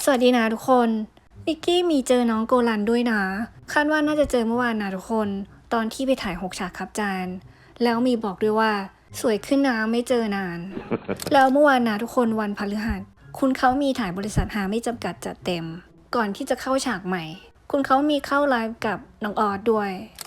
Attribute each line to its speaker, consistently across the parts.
Speaker 1: สวัสดีนะทุกคนนิกกี้มีเจอน้องโกลันด้วยนะคาดว่าน่าจะเจอเมื่อวานนะทุกคนตอนที่ไปถ่าย6 ฉากครับจานแล้วมีบอกด้วยว่าสวยขึ้นนะไม่เจอนาน แล้วเมื่อวานนะทุกคนวันพฤหัสคุณเขามีถ่ายบริษัทหาไม่จำกัดจัดเต็มก่อนที่จะเข้าฉากใหม่คุณเขามีเข้าไลฟ์กับน้องออสด้วย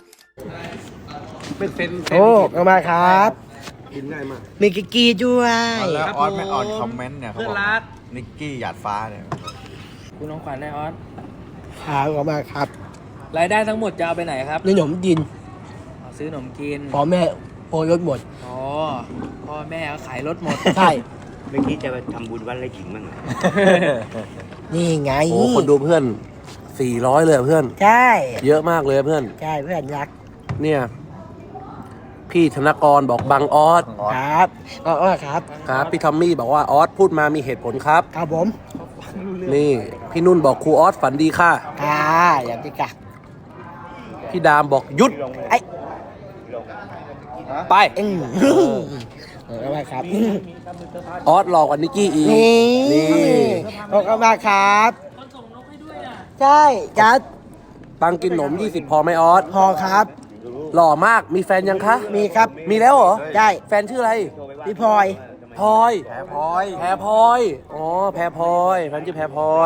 Speaker 2: เป็นเซน
Speaker 3: โอ้เอามาครับ
Speaker 2: กินง่ายมาก
Speaker 3: มีกิกกี้ด้วย
Speaker 4: แล้วออสไม่อ่อนคอมเมนต์เนี่ยเขา
Speaker 2: เพื่
Speaker 4: บ
Speaker 2: อ
Speaker 4: อน ก
Speaker 2: รัก
Speaker 4: นิกกี้หยาดฟ้าเนี่ย
Speaker 5: คุณน้องขวัญได้ออส
Speaker 3: ขาเอามาครับ
Speaker 5: รายได้ทั้งหมดจะเอาไปไหนครับ
Speaker 3: ขนมดิน
Speaker 5: เอาซื้อขนมกิน
Speaker 3: พอแม่โอยรถหมด
Speaker 5: อ๋อพ่อแม่เขาขายรถหมด
Speaker 3: ใช่
Speaker 6: เมื่อกี้จะไปทำบุญวัดไร่ขิงบ้างเหรอ
Speaker 3: นี่ไง
Speaker 2: โอ้คนดูเพื่อน400เลยเพื่อน
Speaker 3: ใช่
Speaker 2: เยอะมากเลยเพื่อน
Speaker 3: ใช่เพื่อนรัก
Speaker 2: เนี่ยพี่ธนกรบอกบังออส
Speaker 3: ครับก็ครับ
Speaker 2: ครับพี่ทอมมี่บอกว่าออสพูดมามีเหตุผลครับ
Speaker 3: ครับผม
Speaker 2: นี่พี่นุ่นบอกครูออสฝันดีค่ะ
Speaker 3: ค่ะอย่างที่กัก
Speaker 2: พี่ดามบอกหยุด
Speaker 3: ไอ้
Speaker 2: ไป
Speaker 3: เอามาครับ
Speaker 2: ออสหลอกกว่านิกกี้อีก
Speaker 3: นี่
Speaker 2: นี่
Speaker 3: เอามาครับใช่จัด
Speaker 2: ตังกินหนม20พอไหมออส
Speaker 3: พอครับ
Speaker 2: หล่อมากมีแฟนยังคะ
Speaker 3: มีครับ
Speaker 2: มีแล้วเหรอ
Speaker 3: ใช่
Speaker 2: แฟนชื่ออะไร
Speaker 3: พี่พลอย
Speaker 2: พลอย
Speaker 4: แพ้พลอย
Speaker 2: แพรพลอยอ๋อแพรพลอยแฟนชื่อแพรพลอย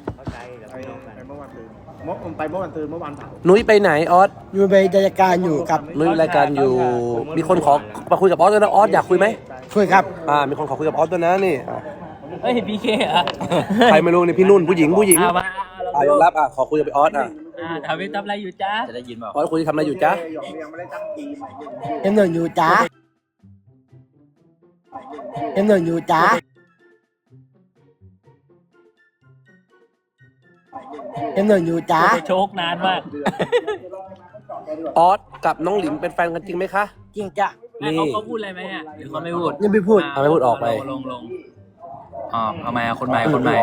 Speaker 6: ไปเมื่อวันตื่นเมื่อวันเผา
Speaker 2: นุ้ยไปไหนออส
Speaker 3: อยู่ในรายการอยู่กับ
Speaker 2: นุ้ยรายการอยู่ มีคนขอมาคุยกับออสด้วยนะออสอยากคุยไหม
Speaker 3: คุยครับ
Speaker 2: มีคนขอคุยกับออสด้วยนะนี่
Speaker 5: เฮ้ยพีเคเหรอ
Speaker 2: ใครไม่รู้นี่พี่นุ่นผู้หญิง
Speaker 5: เอามา
Speaker 2: ยอมรับขอคุยกับพี่ออส
Speaker 5: ทำไปทำอะไรอยู่จ้าจะได้ยินเปล่า
Speaker 2: ออสคุยทำอะไรอยู่จ๊ะ
Speaker 3: เอ็มหนึ่งอยู่จ้าเอ็มหนึ่งอยู่จ้าเอ็มหนึ่งอยู่จ้า
Speaker 5: โชคนานมาก
Speaker 2: ออสกับน้องหลิมเป็นแฟนกันจริงไหมคะ
Speaker 3: จริงจ้ะ
Speaker 2: นี่
Speaker 5: เขาพูดอะไรไหมอ่ะหรือเขาไม่พูด
Speaker 3: ยังไม่พูด
Speaker 2: เอาไม่พูดออกไป
Speaker 5: ลงอ๋อทำไมอ่ะคนใหม่คนใหม่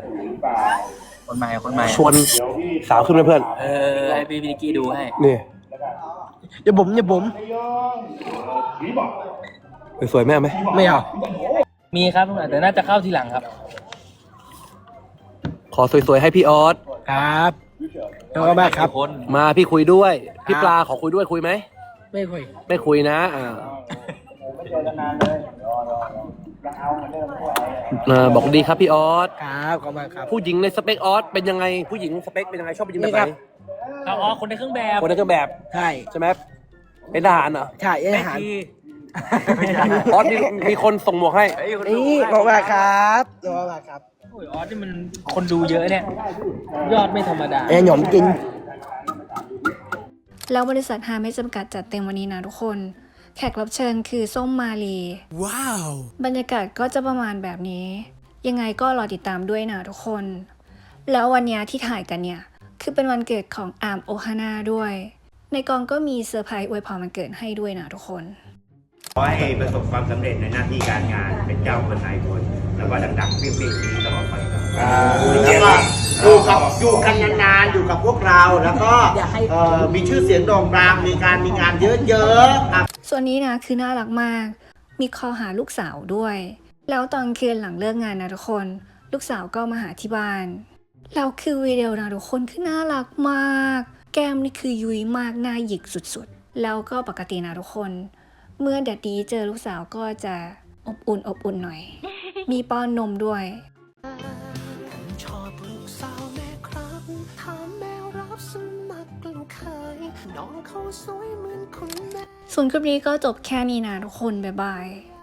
Speaker 2: ชวนสาวขึ้นไหมเพื่อน
Speaker 5: ให้พี่นิกกี้ดูให้
Speaker 2: นี่
Speaker 3: อย่าผม
Speaker 2: สวยๆแม่ไหม
Speaker 3: ไม่เอา
Speaker 5: มีครับแต่น่าจะเข้าทีหลังครับ
Speaker 2: ขอสวยๆให้พี่ออส
Speaker 3: ครับเอามาครับ
Speaker 5: คน
Speaker 2: มาพี่คุยด้วย พี่
Speaker 3: ครับ
Speaker 2: ปลาขอคุยด้วยคุยไหม
Speaker 3: ไม่คุย
Speaker 2: ไม่คุยนะบอกดีครับพี่ออส
Speaker 3: ครับขอบคุณครับ
Speaker 2: ผู้หญิงในสเปคออสเป็นยังไงผู้หญิงสเปคเป็นยังไงชอบผู้หญิงแบบ
Speaker 3: นี่
Speaker 2: ไห
Speaker 3: ครั
Speaker 2: น
Speaker 3: บ
Speaker 5: อ๋อคนในเครื่องแบบ
Speaker 2: คนในเครื่องแบบ
Speaker 3: ใช่
Speaker 2: ใช่ไหมเป็นทหารเหรอ
Speaker 3: ใช่อาหาร
Speaker 2: ออสมีคนส่งหมวกให้
Speaker 3: นี่ขอบคุณครับขอบคุณครับ
Speaker 5: โอ้ยออสนี่มันคนดูเยอะเนี่ย ยอดไม่ธรรมดา
Speaker 3: ไอ้หนมกิน
Speaker 1: แล้วบริษัทหาไม่จำกัดจัดเต็มวันนี้นะทุกคนแขกรับเชิญคือส้มมาลีว้าวบรรยากาศก็จะประมาณแบบนี้ ยังไงก็รอติดตามด้วยนะทุกคน แล้ววันนี้ที่ถ่ายกันเนี่ยคือเป็นวันเกิดของอาร์มโอฮาน่าด้วย ในกองก็มีเซอร์ไพรส์อวยพรวันเกิดให้ด้วยนะทุกคน
Speaker 6: ขอให้ประสบความสำเร็จในหน้าที่การงานเป็นเจ้าคนนายคน แล้วก็ดังๆเปรี้ยงๆนี้ตลอดไปครับแล้วก็อยู่กันนานๆอยู่กับพวกเราแล้วก็มีชื่อเสียงโด่งดังมีงานเยอะๆครับ
Speaker 1: ส่วนนี้นะคือน่ารักมาก มีคอหาลูกสาวด้วย แล้วตอนคืนหลังเลิกงานนะทุกคน ลูกสาวก็มาหาที่บ้าน แล้วคือวิดีโอนะทุกคนคือน่ารักมาก แก้มนี่คือยุ้ยมากหน้าหยิกสุดๆ แล้วก็ปกตินะทุกคน เมื่อแดดดีเจอลูกสาวก็จะอบอุ่นหน่อย มีป้อนนมด้วย
Speaker 7: ชอบลูกสาวแม่ครับถามแม่รับสมัครลูกเคยน้องเขาสวยเหมือนคุณแม่
Speaker 1: ส่วนคลิปนี้ก็จบแค่นี้นะทุกคน บ๊ายบาย